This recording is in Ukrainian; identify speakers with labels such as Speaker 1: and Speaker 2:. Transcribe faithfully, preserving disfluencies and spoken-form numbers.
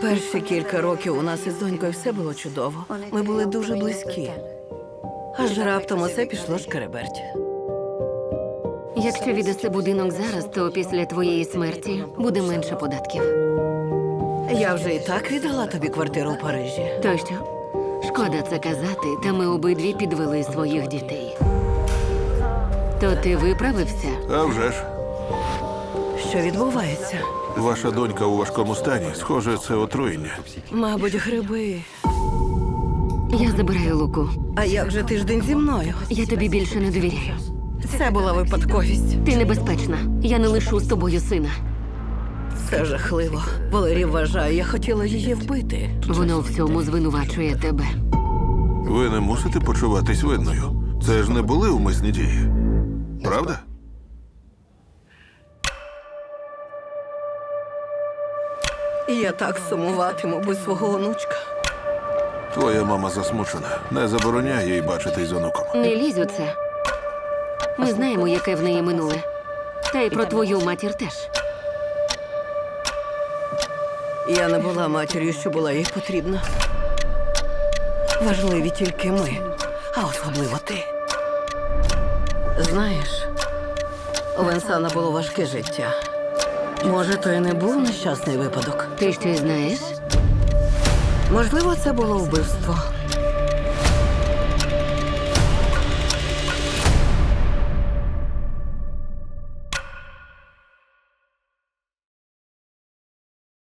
Speaker 1: Перші кілька років у нас із донькою все було чудово. Ми були дуже близькі. Аж раптом усе пішло шкереберть.
Speaker 2: Якщо віддаси будинок зараз, то після твоєї смерті буде менше податків.
Speaker 1: Я вже і так віддала тобі квартиру в Парижі.
Speaker 2: То що? Шкода це казати, та ми обидві підвели своїх дітей. То ти виправився?
Speaker 3: А вже ж.
Speaker 1: Що відбувається?
Speaker 3: Ваша донька у важкому стані. Схоже, це отруєння.
Speaker 1: Мабуть, гриби.
Speaker 2: Я забираю Луку.
Speaker 1: А як же тиждень зі мною?
Speaker 2: Я тобі більше не довіряю.
Speaker 1: Це була випадковість.
Speaker 2: Ти небезпечна. Я не лишу з тобою сина.
Speaker 1: Це жахливо. Валерій вважає, я хотіла її вбити.
Speaker 2: Воно в цьому звинувачує тебе.
Speaker 3: Ви не мусите почуватись винною. Це ж не були умисні дії. Правда?
Speaker 1: І я так сумуватиму без свого онучка.
Speaker 3: Твоя мама засмучена. Не забороняй їй бачитись з онуком.
Speaker 2: Не лізь у це. Ми знаємо, яке в неї минуле. Та й про твою матір теж.
Speaker 1: Я не була матір'ю, що була їй потрібна. Важливі тільки ми, а особливо ти. Знаєш, у Венсана було важке життя. Може, то і не був нещасний випадок.
Speaker 2: Ти щось знаєш?
Speaker 1: Можливо, це було вбивство.